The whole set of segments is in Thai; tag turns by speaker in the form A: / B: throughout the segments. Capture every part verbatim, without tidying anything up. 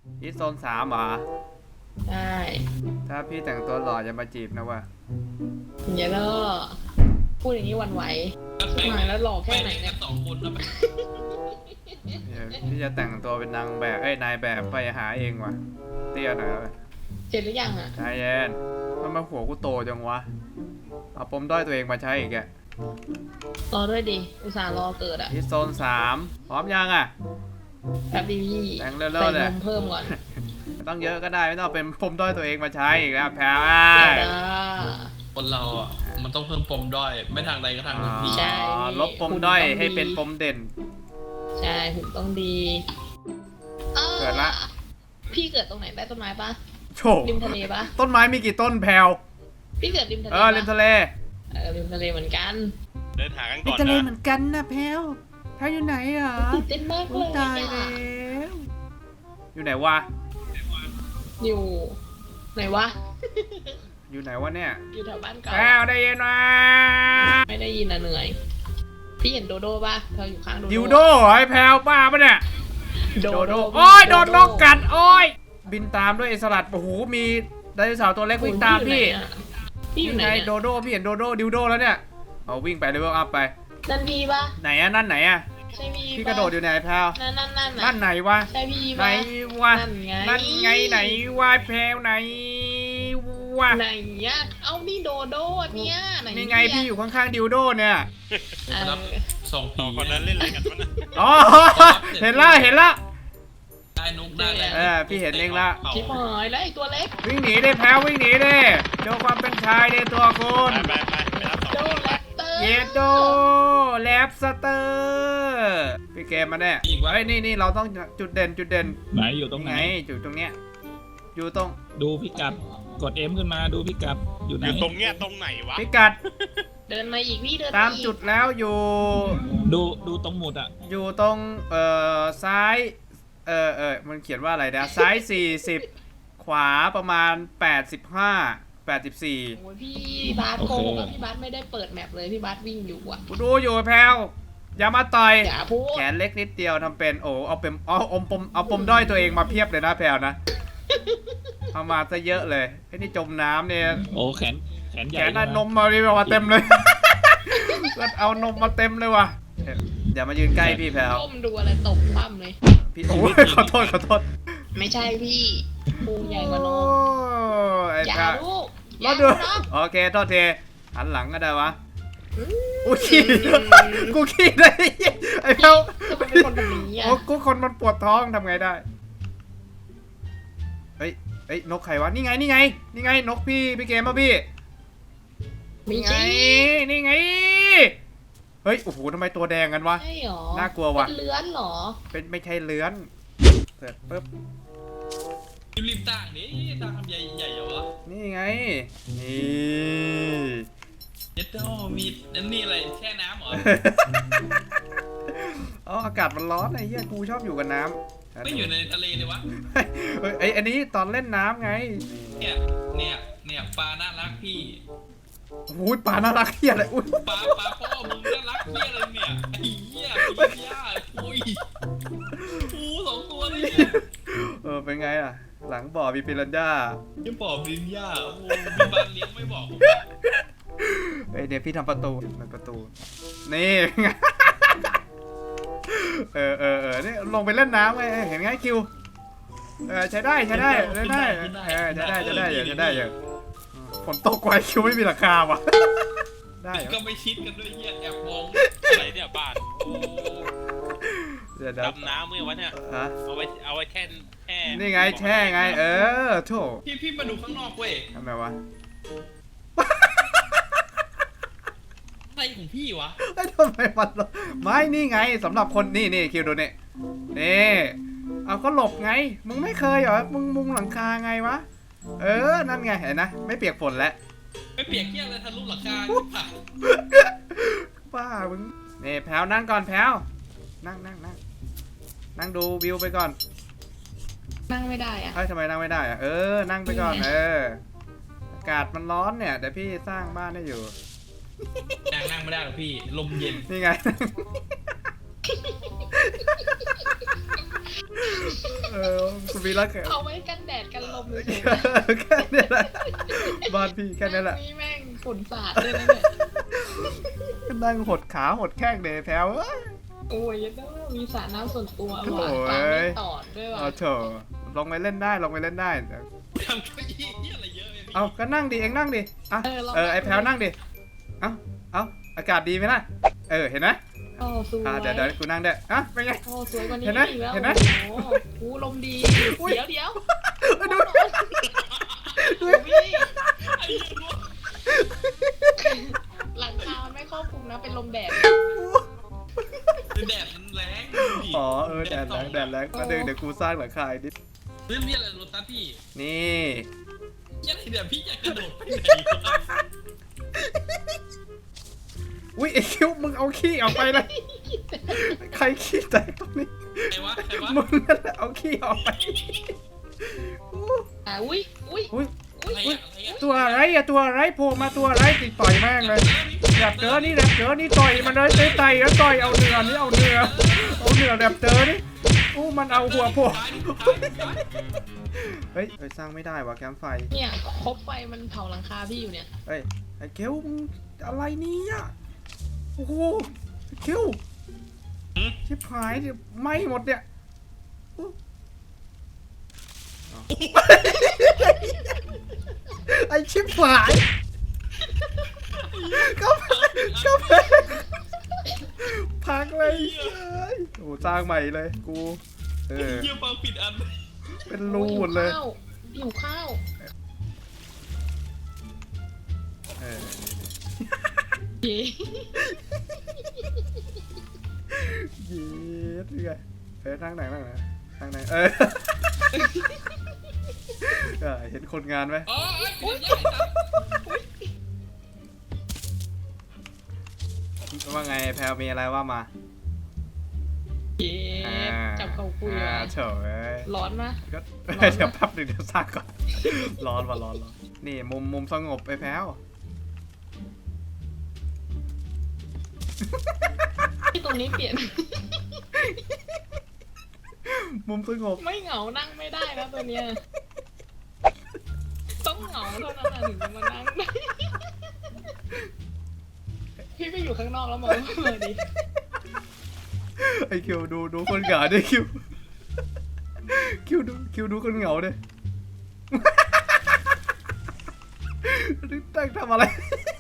A: ที่โซนสามเหรอ
B: ใช่
A: ถ้าพี่แต่งตัวหล่อจะมาจีบนะวะ
B: อย่าเล่อพูดอย่างนี้วันไหวมาแล้วหล่อแค่ไหนเนี่ย
C: สองคนนะ
A: พี่จะแต่งตัวเป็นนางแบบเอ้ยนายแบบไปหาเองว่ะเตี้ยหน่อยเลย
B: เสร็จหรือยังอ่ะ
A: ใจเย็นมันมาหัวกูโตจังวะเอาปมด้อยตัวเองมาใช้อีกแก
B: รอด้วยดิอุตส่าห์รอเกิดอ่ะ
A: ที่โซนสามพร้อมยังอ่ะ
B: แบบดีพี่
A: แต่งเร็วๆเลย
B: ใส่นมเพิ่มก่อน
A: ต้องเยอะก็ได้ไม่ต้องเป็นปมด้อยตัวเองมาใช้อีกแล้วแพ้
C: คนเราอ่ะมันต้องเพิ่มปมด้อยไม่ทางใดก็ทางหนึ่งพี่
B: ใช่
A: ลบปมด้อยให้เป็นปมเด่น
B: ใช่หุ่นต้องดี
A: เกิดละ
B: พี่เกิดตรงไหนได้ต้นไม้ปะ
A: โฉ
B: ริมทะเลปะ
A: ต้นไม้มีกี่ต้นแพลว
B: พี่เกิดริมทะเล
A: เออริมทะเล
B: เออริมทะเลเหมือนกัน
D: เดินหากันก่อนนะ
A: ริมทะเลเหมือนกันนะแพลวแพลวอยู่ไหนอ่ะ
B: ตื่นเต้นมากเลย
A: ตายแล้วอยู่ไหนวะ
B: อยู่ไหนวะ
A: อยู่ไหนวะเนี่ย
B: อยู่แถวบ้านเก่า
A: แพลวได้ยินไหม
B: ไม่ได้ยินนะเหนื่อยพี่เห็นโดโด้ป่ะเธออยู่ข้างโดโด้
A: ดิวโดไอ้แพลวป้าปะเนี่ย
B: โดโด
A: โอ้ยโดนนกกัดโอ้ยบินตามด้วยไอ้สลัดโอ้โหมีไดโนเสาร์ตัวเล็กวิ่งตามพี่
B: พี่อยู่ไหน
A: โดโดพี่เห็นโดโดดิวโดแล้วเนี่ยเอาวิ่งไปเลเวลอัพไป
B: นั่นพี่ปะ
A: ไหนอะนั่นไหนอะ
B: ใช่พี่
A: พี่กระโดดอยู่ไหนแพลว
B: นั่นนั่นนั่น
A: นั่นไหนวะ
B: ใช่พี่
A: ไหนวะนั่นไงไหนวะแพลวไหนวะ
B: ไหนอะเอานี่โดโดเนี่ย
A: นี่ไงพี่อยู่ข้างๆดิวโดเนี่ย
C: สอง
D: สองคนนั้นเล่นอะไรกันวะนะ
A: อ๋อเห็นละเห็นละ
C: ได้นุกได้เลย
A: เออพี่เห็นเองละ
B: ชิบหายแล้วไอ้ตัวเล็ก
A: วิ่งหนีได้แพ้วิ่งหนีได้โชว์ความเป็นชายในตัวคุณ
D: ไปไปไปรับสองคน
A: เยโดแลบสเตอร์พี่เกมมาแน่เฮ้ยนี่นี่เราต้องจุดเด่นจุดเด่น
E: ไหนอยู่ตรงไหน
A: จุดตรงเนี้ยอยู่ตรง
E: ดูพิกัดกดเอ็มขึ้นมาดูพิกัดอยู่ไหน
D: อยู่ตรงเนี้ยตรงไหนวะ
A: พิกัด
B: เดินมาอีกพี่เดิน
A: ตามจุดแล้วอยู่
E: ดูดูตรงหมุดอ่ะ
A: อยู่ตรงเอ่อซ้ายเออเออมันเขียนว่าอะไรนะซ้ายสี่สิบขวาประมาณแปดสิบห้าแปดสิบสี่
B: โอ้ยพี่บาสโกงพี่บาสไม่ได้เปิดแมปเลยพี่บาสวิ่งอยู่อ่ะ
A: กูดูอยู่แพลวอย่ามาต่อย
B: อย่าพูด
A: แขนเล็กนิดเดียวทำเป็นโอ้เอาเป็นเอาอมปมเอาปมด้อยตัวเองมาเพียบเลยนะแพลวนะเอามาซะเยอะเลยไอ้นี่จมน้ำเนี่ย
E: โอ้แขนแขนใหญ่
A: แขนนมมาดิมาเต็มเลยก็เอานมมาเต็มเลยว่ะอย่ามายืนใกล้พี่แพลว
B: ก้มดูอะไรตกปั้มเลย
A: พี่โอ้ยขอโทษขอโทษ
B: ไม่ใช่พี่ปูใหญ่กว่านมอย่าลูก
A: รอดูโอเคโทษทีหันหลังก็ได้วะกูขี้กูขี้ได้ไอ้แพลว
B: เป็นคนแบบนี้อ่ะ
A: โอ้กูคนมันปวดท้องทำไงได้เฮ้ยเฮ้ยนกใครวะนี่ไงนี่ไงนี่ไงนกพี่พี่เกมป่ะพี่
B: นี่ไง
A: นี่ไงเฮ้ยโอ้โหทำไมตัวแดงกันวะ
B: ใช่หรอ
A: น่ากลัววะ
B: เป็นเลื้อนหรอ
A: เป็นไม่ใช่เลื้อนเสร็จปุ๊บ
C: รีบต่างนี่ต่างทำใหญ่ใหญ่เหรอวะ
A: นี่ไงนี่
C: เจ็ดโต้มีนั่นนี่อะไรแช่น้ำเหรอ
A: อ๋ออากาศมันร้อนไอ้เหี้ยกูชอบอยู่กับน้ำ
C: ไม่อยู่ในทะเลเลยวะ
A: เฮ้ยไอ้อันนี้ตอนเล่นน้ำไง
C: เนี่ยเนี่ยเนี่ยปลาน่ารักพี่
A: อุ้ยปลาน่ารักเหี้ยอะไรอุ้ย
C: ปลาปลาพ่อมึงน่ารักเหี้ยอะไรเนี่ยไอ้เหี้ยไอ้เหี้ยอุ้ยปูสองตัวเลย
A: เออเป็นไงอ่ะหลังบ่อมีปิรันย่า
C: ยังบ่อปิรันย่าโอ้มีบ้านเลี้ยงไม่บอก
A: เฮ้ยเดี๋ยวพี่ทำประตูมันประตูนี่เออเออเออนี่ลงไปเล่นน้ำไงเห็นไงคิวเออใช้ได้ใช้ได้ใช้ได้เออใช้ได้ใช้ได้ใช้ได้อย่างฝนตกไวคิวไม่มีราคาว่ะ
C: ได้ก็ไม่ชิดกันด้วยเหี้ยแอบมอง
D: อะไรเนี่ยบ้านดำน้ำเมื่อวันเนี่ยเอาไว้เอาไว้แช่แช่
A: นี่ไงแช่ไงเออโถ
C: พี่พี่มาดูข้างนอกเว้ย
A: ทำไมวะ
C: อะไรของพี่วะ
A: ไอ้ทำไมมันไม่นี่ไงสำหรับคนนี่นี่คิวดูนี่นี่เอาก็หลบไงมึงไม่เคยเหรอมึงมุงหลังคาไงวะเออนั่นไงเห็นนะไม่เปียกฝนแล้ว
C: ไม่เปียกเที่ยงเลยทะลุหลังคา
A: บ้ามึงนี่แพลวนั่งก่อนแพลวนั่งนั่งนั่งนั่งดูวิวไปก่อน
B: นั่งไม่ได้อะ
A: เฮ้ยทำไมนั่งไม่ได้อะเออนั่งไปก่อนเอออากาศมันร้อนเนี่ยเดี๋ยวพี่สร้างบ้านได้อยู่
C: นั่งนั่งไม่ได้หรอกพี่ลมเย็น
A: นี่ไงเออคุณวีรักแก
B: เอาไว้กันแดดกันลมเลย
A: แค่นี้แหละบ้านพี่แค่นี้แหละ
B: นี่แม่งฝุ่นสาดเลยนะเนี่ย
A: ก็นั่งหดขาหดแข้งเดยแพ้วเอ้ย
B: โอ้ยยังมีสระน้ำส่วนตัว
A: โอ้
B: ว่ะ
A: ย
B: ตามไม่ตอดด้วยว่ะ
A: เอาเถอะลงไปเล่นได้ลงไปเล่นได้
C: ทำเก้าอี้เหี้ยอะไรเยอะเลยพี่
A: เอาก็นั่งดิเองนั่งดิอ่ะ
B: เออลอง
A: เออไอแพลวนั่งดิเอาเอาอากาศดีไหมล่ะเออเห็นไหม
B: โอ้สวย
A: อ่ะเดี๋ยวเดี๋ยวกูนั่งด้วยอ่ะเป็นไง
B: โอ้สวยกว่านี้
A: เห็นไหม
B: อีกแล้ว
A: เห็นไหม
B: โอ้โหกูลมดี
A: อุ๊ย
B: เดี๋ยวเดี๋ยว
A: ดู
B: โอ้พี่
C: ไอ้เหี้ยรู้
B: หลังคามันไม่ครอบคลุมนะเป็นลมแดด
C: แดดมันแรงดิ
A: อ๋อเออแดดแรงแดดแรงก็เดี๋ยวเดี๋ยวกูสร้างหลังคาอีกนิด
C: เรื่องนี้อะไรรถตัสพี่
A: นี่
C: เหี้ยอะไรเนี่ยพี่อยากกระโดดไปไหนวะ
A: อุ้ยไอคิวมึงเอาขี้ออกไปเลยใครขี้แตกตรงนี้
C: ใครวะใครวะ
A: มึงนั่นแหละเอาขี้ออกไป
B: อ่ะอุ้ยอุ้ย
A: อุ้ย
B: อุ้ย
C: อะไรอะอะไรอะ
A: ตัวอะไรอะตัวอะไรโผล่มาตัวอะไรติดต่อยแม่งเลยแรปเตอร์นี่แรปเตอร์นี่ต่อยมันเลยเตะไต่แล้วต่อยเอาเนื้อนี่เอาเนื้อเอาเนื้อแรปเตอร์นี่อู้มันเอาหัวโผล่เฮ้ยเฮ้ยสร้างไม่ได้ว่ะแคมป์ไฟ
B: เนี่ยคบไฟมันเผาหลังคาพี่อยู่เนี่ย
A: เฮ้ยไอ้เคิวมึงอะไรเนี่ยโอ้โหไอ้เคิวชิบหายเนี่ยไหม้หมดเนี่ยอู้อ้าวไอ้ชิบหายก็ก็พักเลยเฮ้ยโอ้สร้างใหม่เลยกูเออ
C: เยี่ยมฟังผิดอัน
A: เป็นรูหมดเลย
B: หิวข้าว
A: เออ
B: เย้
A: เย็ดไงเออนั่งไหนนั่งไหนนั่งไหนเออเออเห็นคนงานไหม
C: อ๋อไอ้ผิดอันใหญ่ครับ
A: ว่าไงแพลวมีอะไรว่ามา
B: เย้จับเขาคุย
A: อ่า
B: ว่ะ
A: เฉย
B: ร้อนมะ
A: ก็
B: ร้อนไหม
A: เดี๋ยวแป๊บหนึงเดี๋ยวสร้างก่อนร้อนว่ะร้อนร้อนนี่มุมมุมสงบไปแพลว
B: ที่ตรงนี้เปลี่ยน
A: มุมสงบ
B: ไม่เหงานั่งไม่ได้นะตัวเนี้ยต้องเหงาเท่านั้นนะถึงจะมานั่งได้พี่ไปอยู่ข้างนอกแล้วมองมาดิ
A: ไอคิวดูดูคนเหงาดิคิวคิวดูคิวดูคนเหงาดิตั้งทำอะไร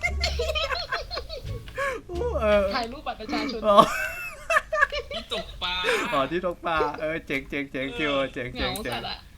A: โอ้เออ
B: ถ่ายรูปบัตรประชาชน
A: อ๋อ
C: ที่ตกปลา
A: อ๋อที่ตกปลาเออเจ๋งเจ๋งเจ๋งคิวเจ๋ง
B: เห
A: เจ๋
B: งาง
A: เจ๋
B: สั
A: ง
B: ตว์อะ